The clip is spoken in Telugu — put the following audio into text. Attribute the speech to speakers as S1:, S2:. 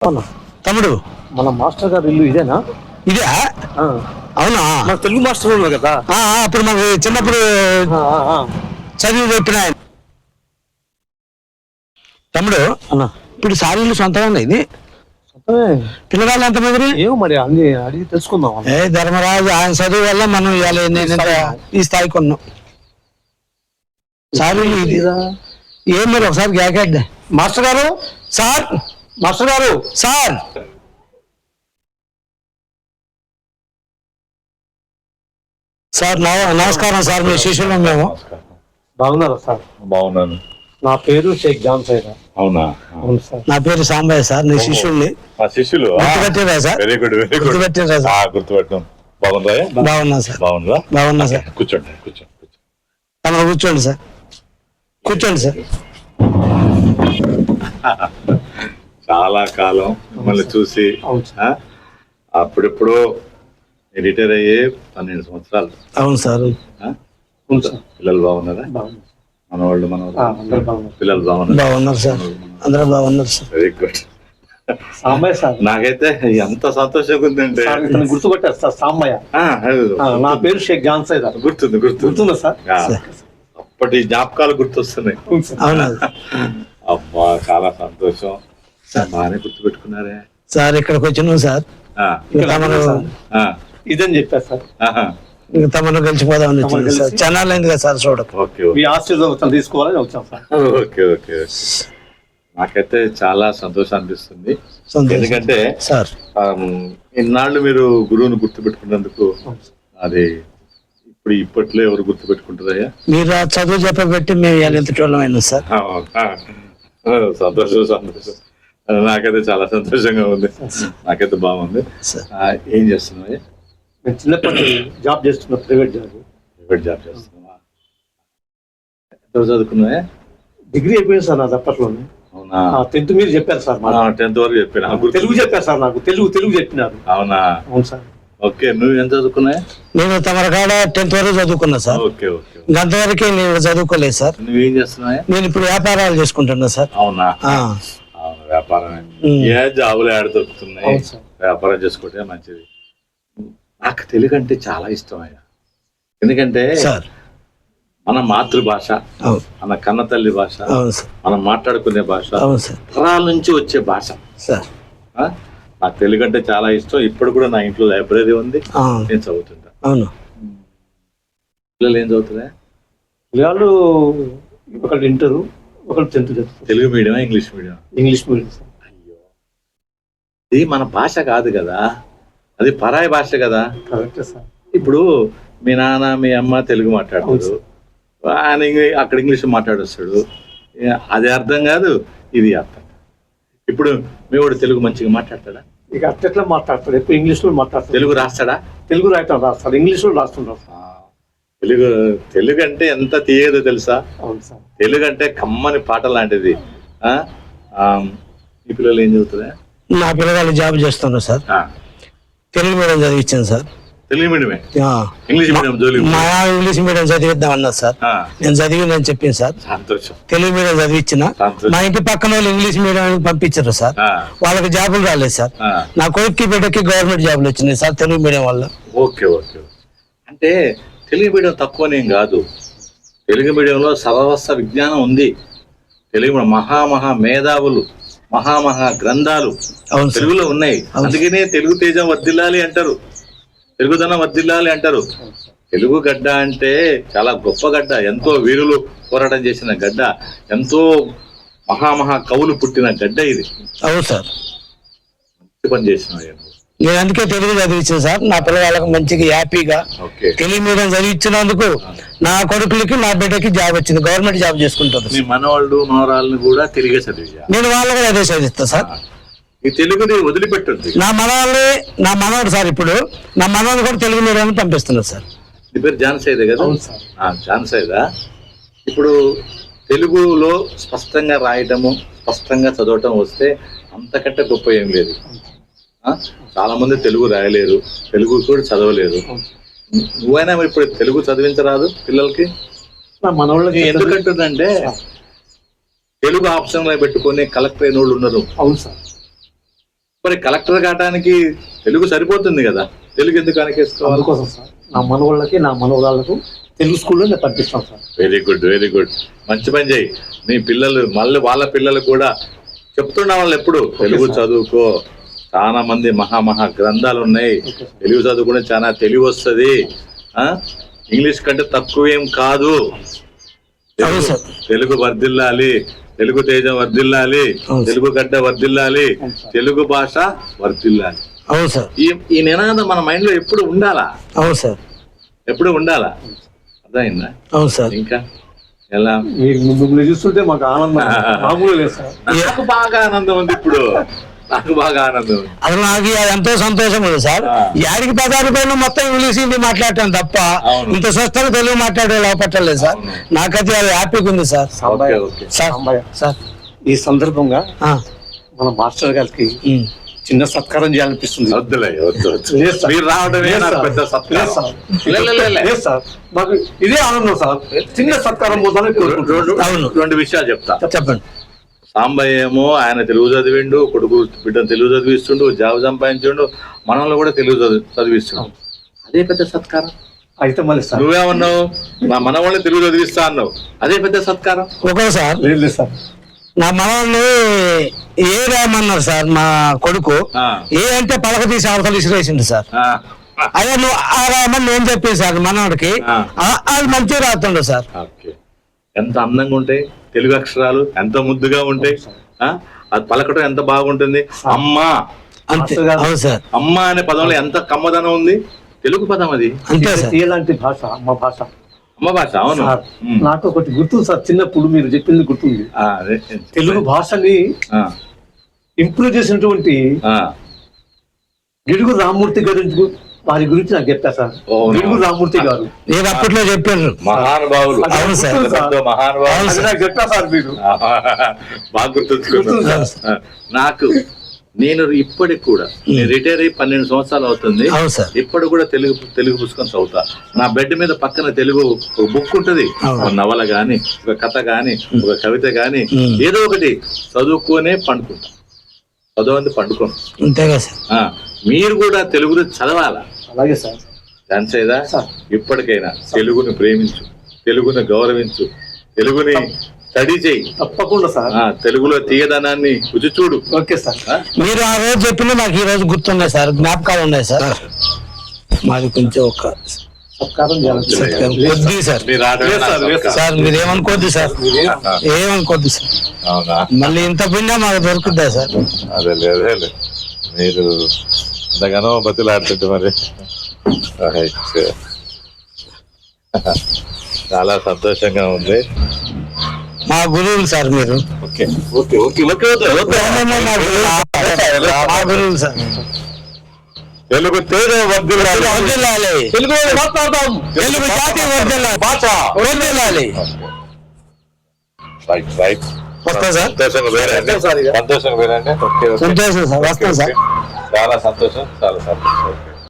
S1: అవునా
S2: తమ్ముడు,
S1: మన మాస్టర్ గారు ఇల్లు ఇదేనా?
S2: ఇదే? అవునా?
S1: మన తెలుగు మాస్టర్ ఉన్నారు కదా,
S2: అప్పుడు మాకు చిన్నప్పుడు చదివి చెప్పిన ఆయన. తమ్ముడు
S1: అన్న
S2: ఇప్పుడు సార్ ఇల్లు సొంతంగా ఇది పిల్లగాళ్ళు ఎంతమంది?
S1: ఏమో మరి అన్ని అడిగి తెలుసుకుందాం.
S2: ధర్మరాజు ఆయన చదువు వల్ల మనం ఈ స్థాయికి ఉన్నాం. సార్ ఏం మీరు ఒకసారి గ్యాకెట్
S1: మాస్టర్ గారు,
S2: సార్,
S1: మాస్టర్ గారు,
S2: సార్ సార్ నమస్కారం సార్. మీ శిష్యులు మేము.
S1: బాగున్నారా సార్?
S3: బాగున్నాను.
S1: నా పేరు షేక్ జాన్ సైరా.
S3: అవునా?
S1: అవును సార్.
S2: నా పేరు సాంబయ్య సార్. నీ శిష్యుల్ని.
S3: శిష్యులు
S2: గుర్తుపెట్టారా sir?
S3: Very good, very good.
S2: గుర్తుపెట్టారా సార్?
S3: గుర్తుపెట్టాం. బాగుందా?
S2: బాగున్నా సార్.
S3: బాగుందా?
S2: బాగున్నా సార్.
S3: కూర్చోండి, కూర్చోండి.
S2: తమ కూర్చోండి సార్, కూర్చోండి సార్.
S3: చాలా కాలం మిమ్మల్ని చూసి, అప్పుడెప్పుడో రిటైర్ అయ్యే 12 సంవత్సరాలు.
S2: అవును సార్.
S3: పిల్లలు బాగున్నారా? మనవాళ్ళు పిల్లలు
S2: బాగున్నారు సార్. అందరూ బాగున్నారు sir.
S3: Very good.
S1: Sambaiah sir.
S3: నాకైతే ఎంత సంతోషంగా ఉందంటే
S1: గుర్తుపట్టారు సార్. సాంబయ్య. నా పేరు షేక్ జాన్ సైరా. గుర్తుందా సార్?
S3: అప్పటి జ్ఞాపకాలు గుర్తొస్తున్నాయి. అబ్బా, చాలా సంతోషం. బాగానే గుర్తుపెట్టుకున్నారే
S2: సార్. ఇక్కడికి వచ్చినాం సార్.
S1: ఇదని చెప్పారు సార్.
S2: ఇంకా తమను గెలిచిపోదామని వచ్చింది సార్. ఛానల్ కదా సార్ చూడకు.
S1: మీ ఆశీర్వాదం తీసుకోవాలని వచ్చాం సార్.
S3: Okay okay. నాకైతే చాలా సంతోషం అనిపిస్తుంది. ఎందుకంటే
S2: సార్
S3: ఇన్నాళ్ళు మీరు గురువుని గుర్తుపెట్టుకున్నందుకు అది ఇప్పట్లో ఎవరు గుర్తుపెట్టుకుంటారయ్యా?
S2: మీరు చదువు చెప్పబెట్టి మేము ఎంతటోళ్ళం అయినా సార్.
S3: సంతోషం సంతోషం. నాకైతే చాలా సంతోషంగా ఉంది. నాకైతే బాగుంది. ఏం చేస్తున్నావా?
S1: నేను చిన్నప్పటి జాబ్ చేస్తున్నా. ప్రైవేట్ జాబ్
S3: చేస్తున్నావా? ఎంత చదువుకున్నావా?
S1: డిగ్రీ అయిపోయింది సార్ నాది అప్పట్లోనే.
S3: అవునా?
S1: 10th మీరు చెప్పారు సార్.
S3: 10th వరకు చెప్పాను.
S1: తెలుగు చెప్పారు సార్. నాకు తెలుగు చెప్పినారు.
S3: అవునా?
S1: అవును సార్.
S3: ఓకే. నువ్వు ఎంత చదువుకున్నావా?
S2: నేను తమరకాడ 10th వరకు చదువుకున్నా సార్.
S3: Okay okay.
S2: అంతవరకే నేను చదువుకోలేదు సార్.
S3: నువ్వేం చేస్తున్నావా?
S2: నేను ఇప్పుడు వ్యాపారాలు చేసుకుంటున్నా సార్.
S3: అవునా? వ్యాపారమే. ఏ జాబులు ఏడ దొరుకుతున్నాయి? వ్యాపారం చేసుకుంటే మంచిది. నాకు తెలుగు అంటే చాలా ఇష్టం అయ్యా. ఎందుకంటే మన మాతృభాష, మన కన్న తల్లి భాష, మనం మాట్లాడుకునే భాష, తరాల నుంచి వచ్చే భాష. నాకు తెలుగు అంటే చాలా ఇష్టం. ఇప్పుడు కూడా నా ఇంట్లో లైబ్రరీ ఉంది, నేను చదువుతుంటా.
S2: అవును.
S3: పిల్లలు ఏం చదువుతున్నా?
S1: పిల్లలు ఒకటి ఇంటరు, ఒకటి 10th చదువుతారు.
S3: Telugu medium, English medium?
S1: English medium.
S3: అయ్యో, ఇది మన భాష కాదు కదా, అది పరాయి భాష కదా.
S1: కరెక్టే సార్.
S3: ఇప్పుడు మీ నాన్న మీ అమ్మ తెలుగు మాట్లాడతారు, ఆయన అక్కడ ఇంగ్లీష్ మాట్లాడొస్తాడు. అది అర్థం కాదు, ఇది అర్థం. ఇప్పుడు మీ వాడు తెలుగు మంచిగా మాట్లాడతాడా?
S1: ఇక అట్లా మాట్లాడతాడు. ఎక్కువ ఇంగ్లీష్ లో మాట్లాడతాడు.
S3: తెలుగు రాస్తాడా?
S1: తెలుగు రాస్తాడు, ఇంగ్లీష్ లో రాస్తుంటాడు.
S3: తెలుగు అంటే ఎంత తీయదో తెలుసా?
S1: అవును సార్.
S3: తెలుగు అంటే కమ్మని పాట లాంటిది. ఈ పిల్లలు ఏం చదువుతుందా?
S2: నా పిల్లగాళ్ళు జాబ్ చేస్తున్నారు సార్. తెలుగు మీడియం చదివించాను సార్.
S3: తెలుగు మీడియమే? ఇంగ్లీష్ మీడియం జోలి?
S2: మా ఇంగ్లీష్ మీడియం చదివిద్దాం అన్నారు సార్. నేను చదివిందని చెప్పింది సార్.
S3: సంతోషం.
S2: తెలుగు మీడియం చదివించిన. మా ఇంటి పక్కన వాళ్ళు ఇంగ్లీష్ మీడియం పంపించారు సార్. వాళ్ళకి జాబులు రాలేదు సార్. నా కొడుక్కి బిడ్డకి గవర్నమెంట్ జాబులు వచ్చినాయి సార్ తెలుగు మీడియం వల్ల.
S3: Okay okay. అంటే తెలుగు మీడియం తక్కువనేం కాదు. తెలుగు మీడియంలో సర్వస్వ విజ్ఞానం ఉంది. తెలుగు మహా మేధావులు, మహా గ్రంథాలు తెలుగులో ఉన్నాయి. అందుకనే తెలుగు తేజం వర్ధిల్లాలి అంటారు, తెలుగుదనం వర్ధిల్లాలి అంటారు. తెలుగు గడ్డ అంటే చాలా గొప్ప గడ్డ, ఎంతో వీరులు పోరాటం చేసిన గడ్డ, ఎంతో మహా కవులు పుట్టిన గడ్డ ఇది.
S2: అవును సార్.
S3: మంచి పని చేసిన.
S2: నేను అందుకే తెలుగు చదివించాను సార్. నా పిల్లవాళ్ళకి మంచిగా హ్యాపీగా తెలుగు మీడియం చదివించినందుకు నా కొడుకులకి నా బిడ్డకి జాబ్ వచ్చింది, గవర్నమెంట్ జాబ్ చేసుకుంటారు.
S3: మీ మనవాళ్ళు మనవరాళ్ళని కూడా తెలుగే చదివా?
S2: నేను వాళ్ళకి అదే చదివిస్తాను సార్.
S3: ఈ తెలుగుని వదిలిపెట్టుంది.
S2: నా మనవాడు సార్. ఇప్పుడు నా మనవాడు కూడా తెలుగు మీడియం పంపిస్తున్నారు సార్.
S3: నీ పేరు జాన్ సైదే కదా? జాన్ సైదా. ఇప్పుడు తెలుగులో స్పష్టంగా రాయటము, స్పష్టంగా చదవటం వస్తే అంతకంటే గొప్ప ఏం లేదు. చాలా మంది తెలుగు రాయలేరు, తెలుగు కూడా చదవలేరు. నువ్వైనా ఇప్పుడు తెలుగు చదివించరాదు పిల్లలకి?
S1: మనవాళ్ళకి
S3: ఎందుకంటుందంటే తెలుగు ఆప్షన్ లో పెట్టుకొని కలెక్టర్ అయిన వాళ్ళు ఉన్నారు.
S1: అవును సార్.
S3: మరి కలెక్టర్ కావడానికి తెలుగు సరిపోతుంది కదా, తెలుగు ఎందుకు అనకేసుకోవాలి?
S1: అందుకోసం సార్ నా మనవాళ్ళకి నా మనవరాళ్ళకు తెలుగు స్కూల్లో నేను పంపిస్తాను sir.
S3: Very good, very good. మంచి పని చేయి. మీ పిల్లలు మళ్ళీ వాళ్ళ పిల్లలు కూడా చెప్తున్నా వాళ్ళు ఎప్పుడు తెలుగు చదువుకో, చాలా మంది మహా గ్రంథాలు ఉన్నాయి, తెలుగు చదువుకునే చాలా తెలివి వస్తుంది, ఇంగ్లీష్ కంటే తక్కువేం కాదు. తెలుగు వర్ధిల్లాలి, తెలుగు తేజం వర్ధిల్లాలి, తెలుగు గడ్డ వర్ధిల్లాలి, తెలుగు భాష వర్ధిల్లాలి.
S2: అవును సార్.
S3: ఈ నినాదం మన మైండ్ లో ఎప్పుడు ఉండాలా?
S2: అవును సార్,
S3: ఎప్పుడు ఉండాలా. అర్థమైందా?
S2: అవును సార్.
S3: ఇంకా ఎలా
S1: మిమ్మల్ని చూస్తుంటే మాకు ఆనందం మామూలు లేదు సార్.
S3: నాకు బాగా ఆనందం ఉంది ఇప్పుడు, నాకు బాగా ఆనందం ఉంది.
S2: అసలు నాకు ఎంతో సంతోషం ఉంది సార్. యాడికి 10 రూపాయలు మొత్తం ఇంగ్లీష్ హిందీ మాట్లాడటం తప్ప ఇంత స్వస్థంగా తెలుగు మాట్లాడే లోపట్టలేదు సార్. నాకైతే అది హ్యాపీగా ఉంది సార్.
S1: సార్ ఈ సందర్భంగా మన మాస్టర్ గారికి చిన్న సత్కారం చేయాలనిపిస్తుంది.
S3: వద్దులే, వద్దు. మీరు రావడమే నాకు పెద్ద సత్కారం.
S1: లేదు సార్, మాకు ఇదే ఆనందం సార్. చిన్న సత్కారం పోతానే కోరుకుంటున్నాను.
S3: 2 విషయాలు చెప్తా.
S2: చెప్పండి.
S3: సాంబయ్య ఏమో ఆయన తెలుగు చదివిండు, కొడుకు బిడ్డను తెలుగు చదివిస్తుండు, జాబ్ సంపాదించుండు, మనల్ని కూడా తెలుగు చదివిస్తుండు. అదే పెద్ద సత్కారం.
S1: అయితే మళ్ళీ సార్
S3: నువ్వేమన్నావు, మా మనవాళ్ళని తెలుగు చదివిస్తా అన్నావు, అదే పెద్ద సత్కారం.
S2: Okay sir.
S1: లేదు సార్,
S2: నా మనల్ని ఏ రాయమన్నారు సార్. మా కొడుకు ఏ అంటే పలక తీసి అవతల ఇసిరేసిండు సార్. అదే నువ్వు ఆ రాయమని నేను చెప్పాను సార్ మనవాడికి, అది మంచిగా రాస్తుండు సార్.
S3: ఎంత అందంగా ఉంటాయి తెలుగు అక్షరాలు, ఎంత ముద్దుగా ఉంటాయి, అది పలకటం ఎంత బాగుంటుంది. అమ్మా
S2: అంతే. అవును సార్.
S3: అమ్మ అనే పదంలో ఎంత కమ్మదనం ఉంది. తెలుగు పదం అది.
S2: అంతే సార్.
S1: ఎలాంటి భాష అమ్మ భాష.
S3: అమ్మ భాష. అవును.
S1: నాకు ఒకటి గుర్తుంది సార్, చిన్నప్పుడు మీరు చెప్పింది గుర్తుంది. తెలుగు భాషని ఇంప్రూవ్ చేసినటువంటి గిడుగు రామ్మూర్తి గారి వారి గురించి నాకు చెప్పారు సార్. గిడుగు రామ్మూర్తి గారు
S2: నేను అప్పట్లో చెప్పాను.
S3: మహానుభావులు.
S2: అవును సార్.
S3: మహానుభావులు
S1: నాకు చెప్పారు సార్ మీరు.
S3: బాగా గుర్తుంచుకున్నారు. నాకు నేను ఇప్పటికి కూడా రిటైర్ అయ్యి 12 సంవత్సరాలు అవుతుంది. ఇప్పటి కూడా తెలుగు పుస్తకం చదువుతా. నా బెడ్ మీద పక్కన తెలుగు ఒక బుక్ ఉంటది, ఒక నవల గాని, ఒక కథ గాని, ఒక కవిత గాని, ఏదో ఒకటి చదువుకోనే పండుకుంటా. చదవండి పండుకోండి. మీరు కూడా తెలుగుని చదవాలా?
S1: అలాగే సార్.
S3: దానిచేదా ఇప్పటికైనా తెలుగుని ప్రేమించు, తెలుగుని గౌరవించు, తెలుగుని స్టడీ చేయి.
S1: తప్పకుండా సార్.
S3: తెలుగులో తీయదనాన్ని రుచి చూడు.
S1: Okay sir.
S2: మీరు ఆ రోజు చెప్పిన నాకు ఈ రోజు గుర్తున్నాయి సార్, జ్ఞాపకాలు ఉన్నాయి సార్. మాది కొంచెం ఒక
S1: సత్కారం
S2: కొద్ది సార్. సార్ మీరేమనుకోద్ది సార్, ఏమనుకోద్ది సార్. మళ్ళీ ఇంత పుణ్యం మాకు దొరుకుద్దా సార్?
S3: అదే లేదు, మీరు ఇంతగానో బతులాడుతుంటే మరి చాలా సంతోషంగా ఉంది.
S2: మా గురువులు సార్ మీరు.
S3: మా గురువులు సార్. తెలుగు తేజం వర్ధిల్లాలి, తెలుగు మాట్లాడదాం, తెలుగు జాతి వర్ధిల్లాలి, భాష వర్ధిల్లాలి. రైట్. వస్తా సార్. సంతోషంగా వేరండి.
S2: సంతోషం సార్. వస్తాం సార్.
S3: చాలా సంతోషం, చాలా సంతోషం.